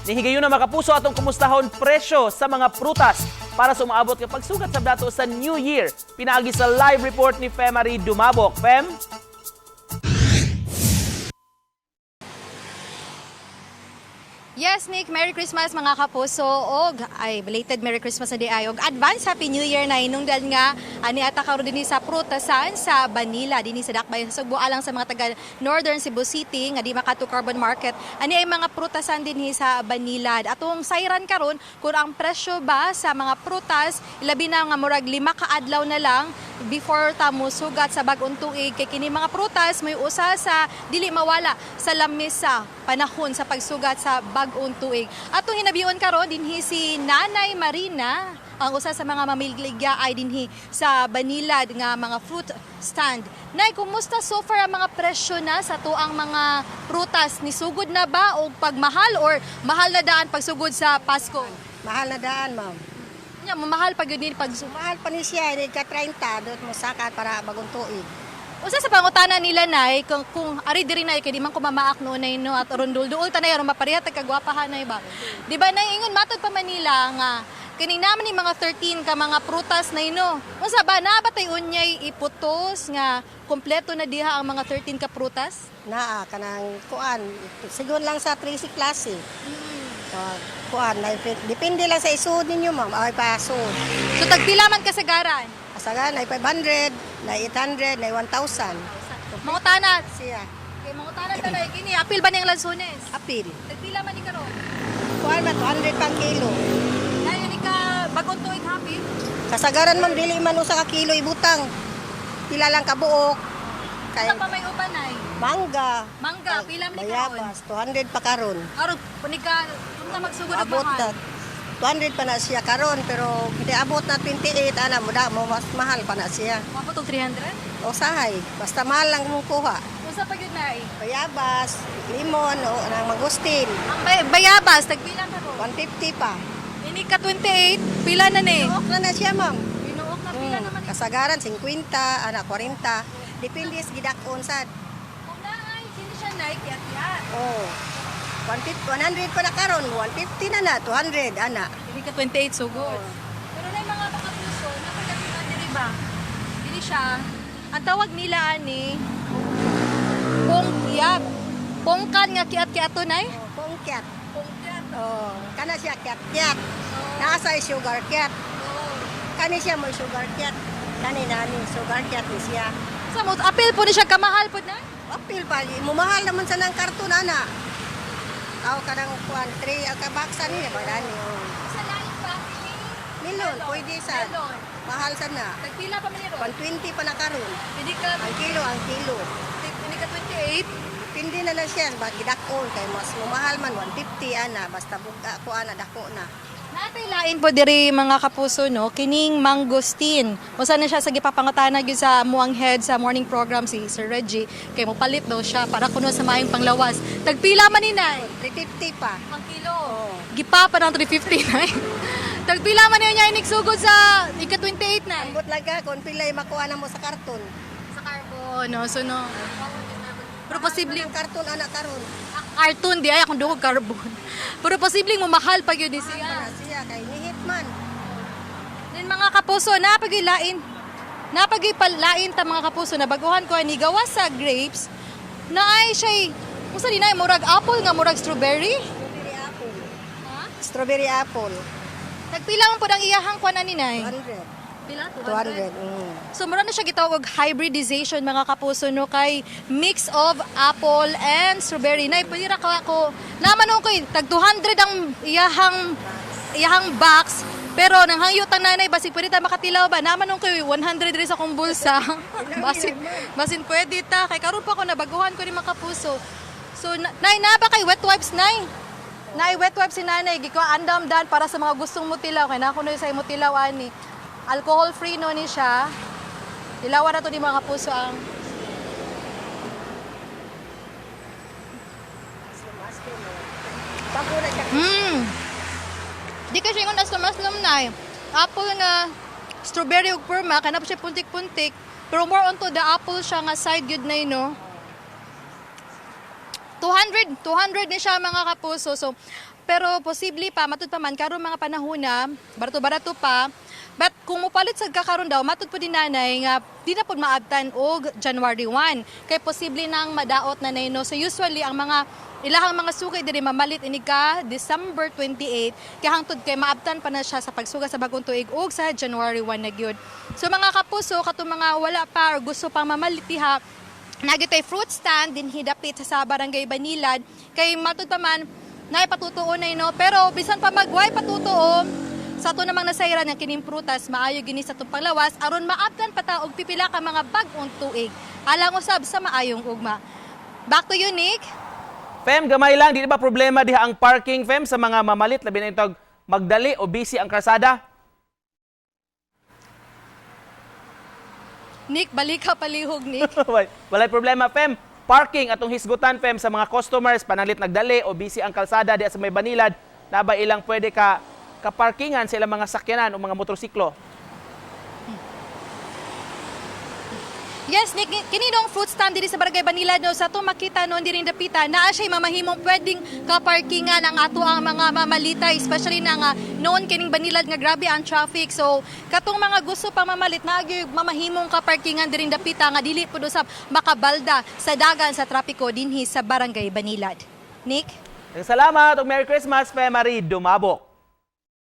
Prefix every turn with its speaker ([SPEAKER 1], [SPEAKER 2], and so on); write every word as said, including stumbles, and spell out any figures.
[SPEAKER 1] Nihigayon na makapuso atong kumustahon presyo sa mga prutas para sa umaabot nga pagsugat sa dato sa New Year. Pinaagi sa live report ni Femari Dumabok. Fem?
[SPEAKER 2] Yes, Nick, Merry Christmas mga kapuso og ay belated Merry Christmas na di ay og advance Happy New Year na inungdan nga ani ata karon dinhi sa prutasan sa Banila dinhi sa Dakbayan sa Sugbo alang sa mga taga Northern Cebu City nga di makato carbon market ani ay mga prutasan dinhi sa Banila. Atong sayran karon kung ang presyo ba sa mga prutas ilabi na nga murag lima ka adlaw na lang before ta musugat sa bag-ong tuig kay kini mga prutas may usa sa dili mawala sa lamesa panahon sa pagsugat sa bag-ong tuig. Atong hinabion karon dinhi si Nanay Marina, ang usa sa mga mamigligya ay dinhi sa Banilad nga mga fruit stand. Nay, kumusta so far ang mga presyo na sa tuang mga prutas? Nisugod na ba o pagmahal or mahal na daan pagsugod sa Pasko?
[SPEAKER 3] Mahal na daan, ma'am.
[SPEAKER 2] Nya, mamahal pag yun pag
[SPEAKER 3] Mahal pa ni siya, hindi ka thirty, doon mo sakat para bagong tuig.
[SPEAKER 2] usa sa pangutana nila nay kung, kung ari diri nay kay di man ko mamaak no nay no at rondul duol tanay aron mapareha tag kagwapahan nay ba. Di ba nay ingon matod pa Manila nga kining naman ni mga thirteen ka mga prutas nay no. Unsa ba na ba tay unyay iputos nga kompleto na diha ang mga thirteen ka prutas?
[SPEAKER 3] Naa, kanang kuan. Sigon lang sa three C klase. Uh, kuan, na, depende lang sa isud ninyo, ma'am. Ay, pasod.
[SPEAKER 2] So tagpila man kasagaran?
[SPEAKER 3] Kasagan, na five hundred, na eight hundred, na one thousand.
[SPEAKER 2] Mangutana
[SPEAKER 3] Siya.
[SPEAKER 2] kay mangutana tanay kini apil ba ning lansones?
[SPEAKER 3] Apil.
[SPEAKER 2] Tagpila man ni karon?
[SPEAKER 3] Kuan ba, two hundred pang kilo.
[SPEAKER 2] Nay ni ka bagong tuig happy?
[SPEAKER 3] Kasagaran, ma'am, dili man usa ka kilo ibutang. Pila lang kabuok. Kay
[SPEAKER 2] Sa pa may uban nay?
[SPEAKER 3] mangga.
[SPEAKER 2] Mangga, pila man ni karon?
[SPEAKER 3] Bayabas, two hundred pa karon.
[SPEAKER 2] Aron punig ka unta magsugod og
[SPEAKER 3] Abot na
[SPEAKER 2] mahal.
[SPEAKER 3] two hundred pa na siya karon pero hindi abot na twenty-eight ana mo da mo mas mahal pa na siya.
[SPEAKER 2] Mabot og three hundred?
[SPEAKER 3] O sahay, basta mahal lang mo kuha.
[SPEAKER 2] Unsa pa gyud nay?
[SPEAKER 3] Bayabas, limon o nang mangustin,
[SPEAKER 2] Ang bay- bayabas tagpila karon?
[SPEAKER 3] one fifty pa.
[SPEAKER 2] Ini ka twenty-eight, pila na ni?
[SPEAKER 3] Tuok na na siya, ma'am.
[SPEAKER 2] Binuok na pila
[SPEAKER 3] Mm,
[SPEAKER 2] naman.
[SPEAKER 3] kasagaran fifty, ana forty. Depende sa gidakon sad.
[SPEAKER 2] Kung naay kini siya nay kiyat-kiyat.
[SPEAKER 3] Oh. one fifty, one hundred pa na karon, one fifty na na, two hundred ana.
[SPEAKER 2] Ini ka twenty-eight sugod. Pero nay mga makapuso, napagkakita diri ba? Dili siya. Ang tawag nila ani pongkyat. Pongkan nga kiyat-kiyato nay?
[SPEAKER 3] Oh, pongkyat.
[SPEAKER 2] Pongkyat.
[SPEAKER 3] Oh, kana siya kyat-kyat. Nasa sugar kyat. Kani siya mo sugar kyat. Kani nani sugar kyat ni siya.
[SPEAKER 2] Sa mo apil po ni siya kamahal po na?
[SPEAKER 3] Apil pa, mumahal naman sa ng karton, ana. Tao ka ng kuwan, three, ang kabaksan niya, ba gani, oh.
[SPEAKER 2] Sa lain pa ni
[SPEAKER 3] Milon, pwede sa,
[SPEAKER 2] Melon.
[SPEAKER 3] mahal sa na.
[SPEAKER 2] Tagpila pa man ni ron?
[SPEAKER 3] one twenty pa na karon.
[SPEAKER 2] Hindi ka
[SPEAKER 3] Ang kilo, ang kilo.
[SPEAKER 2] hindi ka twenty-eight.
[SPEAKER 3] Pindi na na siya, bagi dakon, kay mas mumahal man, one fifty, ana, basta buga ko, ana, dako na.
[SPEAKER 2] Natay lain po diri mga kapuso no kining mangosteen. Usa na siya sa gipapangutana gyud sa muang head sa morning program si Sir Reggie kay mo palit daw siya para kuno sa maayong panglawas. Tagpila man ni nay?
[SPEAKER 3] three fifty pa.
[SPEAKER 2] Ang kilo.
[SPEAKER 3] Oh.
[SPEAKER 2] Gipa pa ng three fifty nay. Tagpila man niya inik sugod sa ika twenty-eight nay.
[SPEAKER 3] Ambot lang ka, kung pilay makuha na mo sa karton.
[SPEAKER 2] Sa carbon no so no. Pero posibleng
[SPEAKER 3] Ang karton, ana, karon.
[SPEAKER 2] cartoon di ay akong dugog carbon. Pero posibleng mo mahal pa gyud ni
[SPEAKER 3] Mahal pa
[SPEAKER 2] siya.
[SPEAKER 3] na siya, kay nihit man.
[SPEAKER 2] Then mga kapuso, napagay lain. Napagay palain ta mga kapuso na baguhan ko ni gawas sa grapes na ay siya unsa dinay murag apple nga murag strawberry?
[SPEAKER 3] Strawberry apple.
[SPEAKER 2] Ha?
[SPEAKER 3] Strawberry apple.
[SPEAKER 2] Nagpila man pud ang iyahang kuan ani nay.
[SPEAKER 3] two hundred.
[SPEAKER 2] Pila?
[SPEAKER 3] two hundred. Mm.
[SPEAKER 2] So mura na siya gitawag og hybridization mga kapuso no kay mix of apple and strawberry. Nay pwede ra ka ko naman ko tag two hundred ang iyahang iyahang box. Pero nang hangyutan nanay basig pwede ta makatilaw ba? Naman nung kay one hundred rin sa akong bulsa. basin basin pwede ta kay karon pa ko nabaguhan ko ni mga kapuso. So na- nay na ba kay wet wipes nay? Nay wet wipes si nanay giko andam dan para sa mga gustong mutilaw kay na kuno sa imo tilaw ani. Alcohol free no ni siya. Dilawan na to ni mga kapuso ang
[SPEAKER 3] Bago na siya.
[SPEAKER 2] Hmm. Di kasi yung aslam-aslam na eh. Apple nga, strawberry ug perma, kanap siya puntik-puntik. Pero more on to the apple siya nga side good na yun, no? two hundred, two hundred ni siya mga kapuso. So, pero posible pa matud pa man karon mga panahon na barato-barato pa. But kung mupalit sa kakaron daw, matud po din nanay nga di na po maabtan og January first. Kay posible nang madaot na nino. So usually ang mga ilahang mga sugay diri mamalit ini ka December twenty-eighth kay hangtod kay maabtan pa na siya sa pagsuga sa bagong tuig ug sa January first na gyud. So mga kapuso katong mga wala pa or gusto pang mamalit diha, nagitay fruit stand din hidapit sa barangay Banilad kay matud pa man nay patutuo na ino pero bisan pa magway patutuo sa to namang nasayran ng kining prutas maayo gini sa tong panglawas aron maabtan pa ta og pipila ka mga bag-ong tuig alang usab sa maayong ugma. Back to you, Nick.
[SPEAKER 1] Fem, gamay lang, di ba problema diha ang parking, Fem, sa mga mamalit, labi na itong magdali o busy ang karsada?
[SPEAKER 2] Nick, balik ka palihog, Nick.
[SPEAKER 1] Walay problema, Fem. Parking atong hisgutan, Fem, sa mga customers, panalit nagdali o busy ang kalsada diha sa may Banilad, na ba ilang pwede ka kaparkingan sa ilang mga sakyanan o mga motorsiklo?
[SPEAKER 2] Yes, Nick, kininong fruit stand diri sa Barangay Banilad no, sa to makita noon diring dapita naa siya mamahimong pwedeng kaparkingan ang ato ang mga mamalita, especially na nga noon kining Banilad nga grabe ang traffic. So katong mga gusto pang mamalit na gyud mamahimong kaparkingan diring dapita nga dili pud usab makabalda sa dagan sa trapiko dinhi sa Barangay Banilad. Nick?
[SPEAKER 1] Salamat ug Merry Christmas, Fem Marie Dumabok.